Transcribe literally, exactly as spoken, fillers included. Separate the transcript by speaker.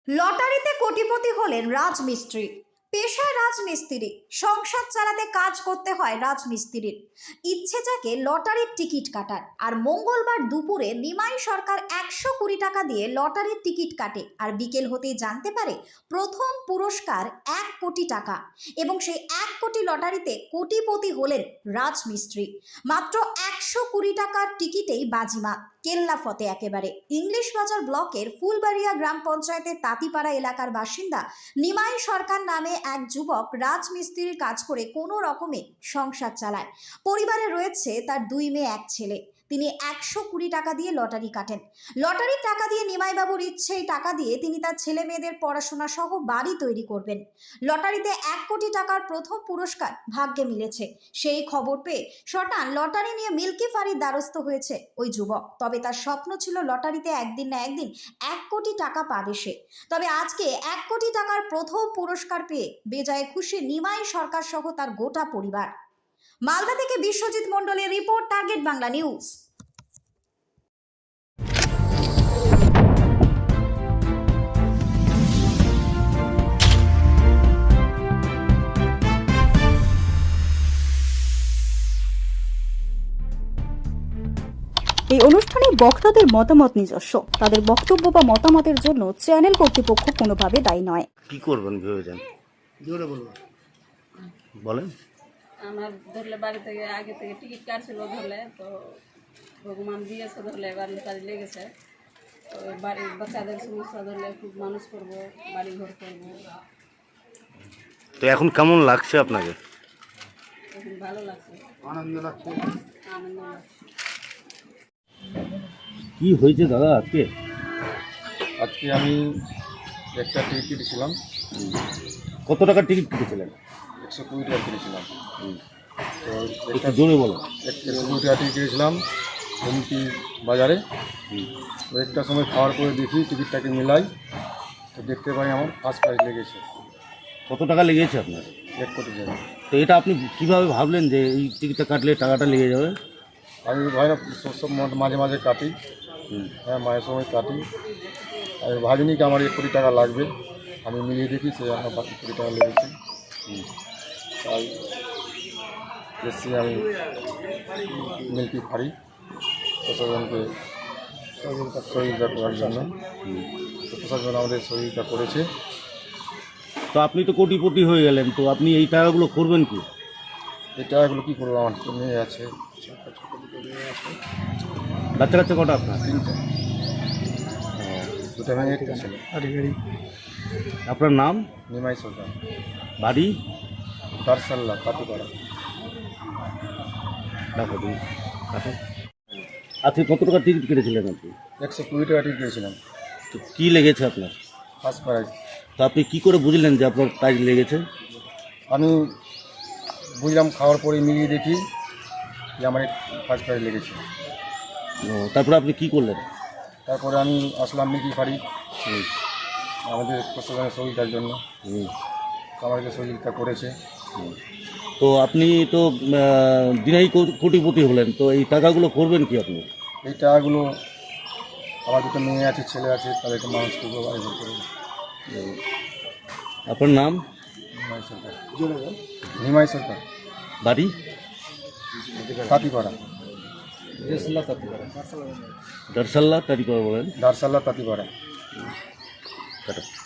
Speaker 1: লটারিতে কোটিপতি হলেন রাজমিস্ত্রি। পেশায় রাজমিস্ত্রি, সংসার চালাতে কাজ করতে হয় রাজমিস্ত্রির। ইচ্ছে যাকে লটারির টিকিট কাটার, আর মঙ্গলবার দুপুরে নিমাই সরকার একশো কুড়ি টাকা দিয়ে লটারির টিকিট কাটে, আর বিকেল হতেই জানতে পারে প্রথম পুরস্কার এক কোটি টাকা। এবং সেই এক কোটি লটারিতে কোটিপতি হলেন রাজমিস্ত্রি। মাত্র একশো কুড়ি টাকার টিকিটেই বাজিমাত, কেল্লা ফতে একেবারে। ইংলিশ বাজার ব্লকের ফুলবাড়িয়া গ্রাম পঞ্চায়েতের তাঁতিপাড়া এলাকার বাসিন্দা নিমাই সরকার নামে এক যুবক রাজমিস্ত্রির কাজ করে কোনো রকমে সংসার চালায়। পরিবারে রয়েছে তার দুই মেয়ে, এক ছেলে। তিনি একশো কুড়ি টাকা দিয়ে লটারি কাটেন। লটারির টাকা দিয়ে নিমাইবাবুর ইচ্ছে এই টাকা দিয়ে তিনি তার ছেলে মেয়েদের পড়াশোনা সহ বাড়ি তৈরি করবেন। লটারিতে এক কোটি টাকার প্রথম পুরস্কার ভাগ্যে মিলেছে। সেই খবর পেয়ে শটান লটারি নিয়ে মিল্কি ফাঁড়ির দ্বারস্থ হয়েছে ওই যুবক। তবে তার স্বপ্ন ছিল লটারিতে একদিন না একদিন এক কোটি টাকা পাবে সে। তবে আজকে এক কোটি টাকার প্রথম পুরস্কার পেয়ে বেজায় খুশি নিমাই সরকার সহ তার গোটা পরিবার। মালদা থেকে বিশ্বজিৎ মণ্ডলের রিপোর্ট, টার্গেট বাংলা নিউজ।
Speaker 2: এই অনুষ্ঠানে বক্তাদের মতামত নিজস্ব। তাদের বক্তব্য বা মতামতের জন্য চ্যানেল কর্তৃপক্ষ কোনোভাবে দায়ী নয়।
Speaker 3: কি করবেন ভেবেছেন?
Speaker 4: জোরে বলবো
Speaker 3: বলেন।
Speaker 5: আমার ধরলে বাড়ি থেকে আগে থেকে টিকিট কাটছিল, ধরলে তো ভগবান দিয়েছে, ধরলে বাড়ির কাজে লেগেছে। তো বাড়ির বাচ্চাদের সমস্যা ধরলে খুব মানুষ করবো, বাড়ি ঘর করবো।
Speaker 3: তো এখন কেমন লাগছে আপনাকে?
Speaker 5: এখন ভালো লাগছে,
Speaker 4: আনন্দ লাগছে।
Speaker 5: আনন্দ লাগছে।
Speaker 3: কি হয়েছে দাদা আজকে?
Speaker 4: আজকে আমি একটা টিকিট কেটেছিলাম,
Speaker 3: কত টাকার টিকিট কেটেছিলেন?
Speaker 4: একশো কুড়ি টাকা কিনেছিলাম। তো
Speaker 3: একটু জোরে বলো।
Speaker 4: একশো কুড়ি টাকা টিকিট কিনেছিলাম হুমকি বাজারে। তো একটা সময় খাওয়ার পরে দেখি টিকিটটাকে মিলাই, তো দেখতে পাই আমার ফার্স্ট প্রাইজ লেগেছে
Speaker 3: কত টাকা লেগেছে আপনার?
Speaker 4: এক কোটি টাকা।
Speaker 3: তো এটা আপনি কিভাবে ভাবলেন যে এই টিকিটটা কাটলে টাকাটা লেগে যাবে?
Speaker 4: আমি ভাই না সব মাঝে মাঝে কাটি, হ্যাঁ মায়ের সময় কাটি। আমি ভাবিনি কি আমার এক কোটি টাকা লাগবে। আমি মিলিয়ে দেখি সে আমার বাকি কোটি টাকা লেগেছে। তাই এসছি আমি মিল্কি ফাঁড়ি প্রশাসনকে সহযোগিতা করার জন্য। তো প্রশাসন আমাদের সহযোগিতা করেছে।
Speaker 3: তো আপনি তো কোটিপতি হয়ে গেলেন, তো আপনি এই টাকাগুলো করবেন কি?
Speaker 4: এই টাকাগুলো কী করবো, আমার তো মেয়ে আছে,
Speaker 3: বাচ্চা কাচ্চা কটা আপনার?
Speaker 4: তিনটা, দুটা মেয়ে একটা ছেলে।
Speaker 3: আপনার নাম?
Speaker 4: নিমাই সরকার,
Speaker 3: বাড়ি?
Speaker 4: দারসাল্লা, তাঁতিপাড়া।
Speaker 3: দেখো তুমি কাটো। আজকে কত টাকার টিকিট কেটেছিলেন আপনি?
Speaker 4: একশো কুড়ি টাকা টিকিট কিনেছিলাম,
Speaker 3: তো কী লেগেছে আপনার?
Speaker 4: First prize.
Speaker 3: তো আপনি কী করে বুঝলেন যে আপনার প্রাইজ লেগেছে?
Speaker 4: আমি বুঝলাম খাওয়ার পরে মিলিয়ে দেখি যে আমার ফার্স্ট প্রাইজ লেগেছে।
Speaker 3: ও, তারপরে আপনি কী করলেন?
Speaker 4: তারপরে আমি আসলাম মিল্কি ফাঁড়ি আমাদের প্রশাসনের সহযোগিতার জন্য।
Speaker 3: হুম।
Speaker 4: তো আমাদেরকে সহযোগিতা করেছে।
Speaker 3: তো আপনি তো আহ, দিনেই কো- কোটিপতি হলেন, তো এই টাকাগুলো করবেন কি আপনি?
Speaker 4: এই টাকাগুলো আমার দুটো মেয়ে আছে, ছেলে আছে, তাদেরকে মানুষ করবো, বাড়ি ঘর করবো।
Speaker 3: আপনার নাম?
Speaker 4: নিমাই সরকার। নিমাই সরকার,
Speaker 3: বাড়ি?
Speaker 4: তাঁতিপাড়া, দারসাল্লা তাঁতিপাড়া,
Speaker 3: দারসাল্লা তারিখ বলেন।
Speaker 4: দারসাল্লা তাঁতিপাড়া।
Speaker 3: কাটো।